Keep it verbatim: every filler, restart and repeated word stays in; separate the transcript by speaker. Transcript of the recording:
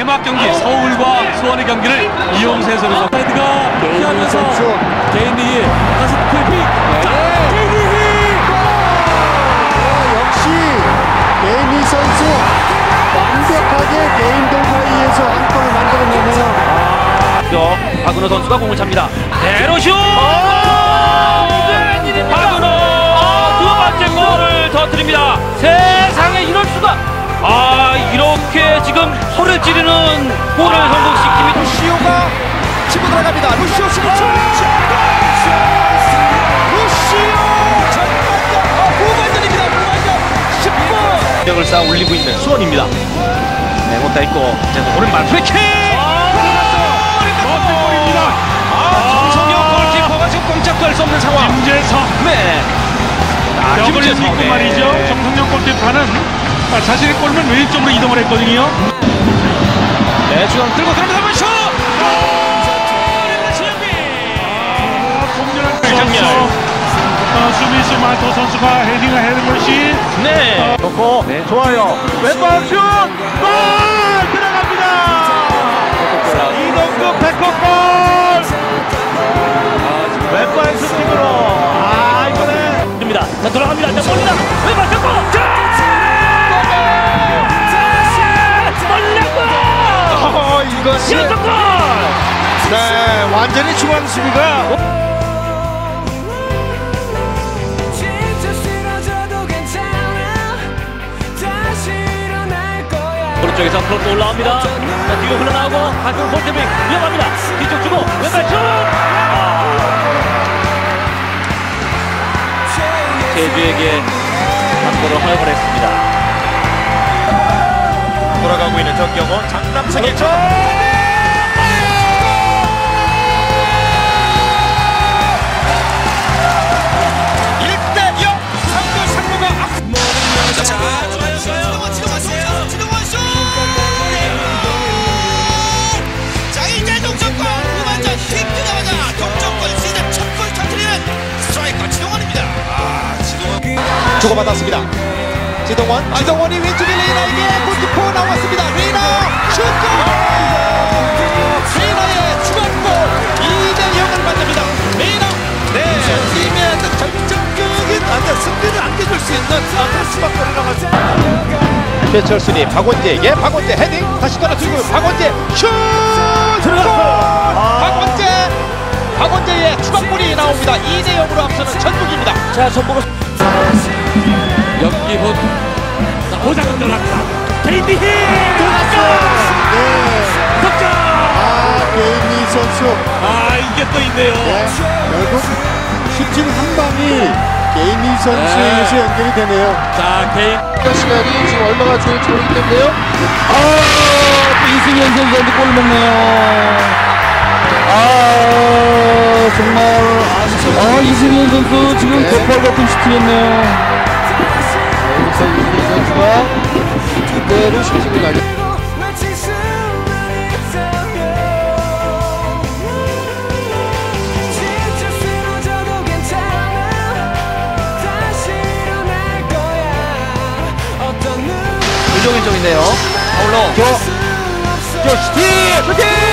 Speaker 1: 개막 경기 서울과 수원의 경기를 이용세 선수가 헤드가 피하면서 개인 리그 다시 퀵 개인 리그
Speaker 2: 역시 개인리 선수 완벽하게 개인 돌파이에서 한 골을 만들어내네요.
Speaker 3: 박은호 선수가 공을 찹니다. 대로슛! 박은호 두 번째 골을 터뜨립니다. 세상에 이럴 수가! 아 이렇게 지금 소리를 지르는 골을 성공시킵니다.
Speaker 4: 루시오가 치고 들어갑니다. 루시오 스리초 루시오 정말 후반전입니다. 후반전 십 분
Speaker 3: 력을 쌓아 올리고 있는 수원입니다. 네, 못다 있고 오른발 프리킥!
Speaker 1: 멋진 골입니다.
Speaker 3: 정성용 골키퍼가 지금 꼼짝도 수 없는 상황.
Speaker 1: 김재성
Speaker 3: 네. 아,
Speaker 1: 병을
Speaker 3: 김재성
Speaker 1: 입고
Speaker 3: 네.
Speaker 1: 말이죠. 정성용 골키퍼는 자신의 골면 왼쪽으로 이동을 했거든요.
Speaker 3: 네, 중앙 들고 들어가면 슛!
Speaker 1: 정렬. 어, 수비수 마토 선수가 헤딩을 해는 것이
Speaker 3: 네.
Speaker 4: 좋고
Speaker 3: 네.
Speaker 4: 좋아요. 왼발 슛! 골! 들어갑니다. 이동국 백호골! 왼발 슈팅으로 아 이번에
Speaker 3: 됩니다. 자, 돌아갑니다. 자, 몰라. 왼발 잡고!
Speaker 4: 어, 이것이
Speaker 3: 연속골!
Speaker 4: 네 완전히 중앙 수비가
Speaker 3: 오른쪽에서 크로스 올라옵니다. 자, 뒤로 흘러나오고 한쪽 볼테빙 위험합니다. 뒤쪽 주고 왼발 슛! 아. 제주에게 한골을 허용을 했습니다.
Speaker 4: 돌아가고 있는 정경원 장남석의 점 일 대 영 상주 상무가 앞 자, 좋아요 좋아요 지동원 지동원 슛 자 이제 동점골 후반전 킥 뜨자마자 동점골 시즌 첫 골 터뜨리는 스트라이커 지동원입니다. 아 지동원 주고받았습니다. 지동원 지동원이 왼쪽에 레이나에게 골키퍼 나왔습니다. 레이나 슛골 레이나의 추가골 이 대 영을 만듭니다. 레이나 네 팀의 어떤 결정적인 어떤 승리를 안겨줄 수 있는 패스박골이 나갔습니다. 최철순이 박원재에게 박원재 헤딩 다시 떨어뜨리고 박원재 슛 들어갔어요. 박원재 박원재의 추가골이 나옵니다. 이 대 영으로 앞서는 전북입니다.
Speaker 3: 자, 전북은
Speaker 1: 연기훈 보장은 들어갑니다.
Speaker 3: 케이티 힐!
Speaker 2: 들어갔어요. 네.
Speaker 3: 득점!
Speaker 2: 아, 개인리 선수.
Speaker 1: 아 이게 또 있네요.
Speaker 2: 네. 결국 슈팅 한 방이 개인리 선수에
Speaker 1: 네.
Speaker 2: 의해서 연결이 되네요.
Speaker 1: 자 개인
Speaker 4: 시간이 지금 얼마나 좋을지 모르겠는데요.
Speaker 3: 아, 이승현 선수한테 골 먹네요. 아, 정말. 아, 이승현 선수 지금 대팔 같은 슈팅했네요.
Speaker 4: 여기서 이승현 선수가 그대로 슈팅을 날려.
Speaker 3: 유종일 쪽인데요. 파울로.
Speaker 4: 저 슈팅! 슈팅!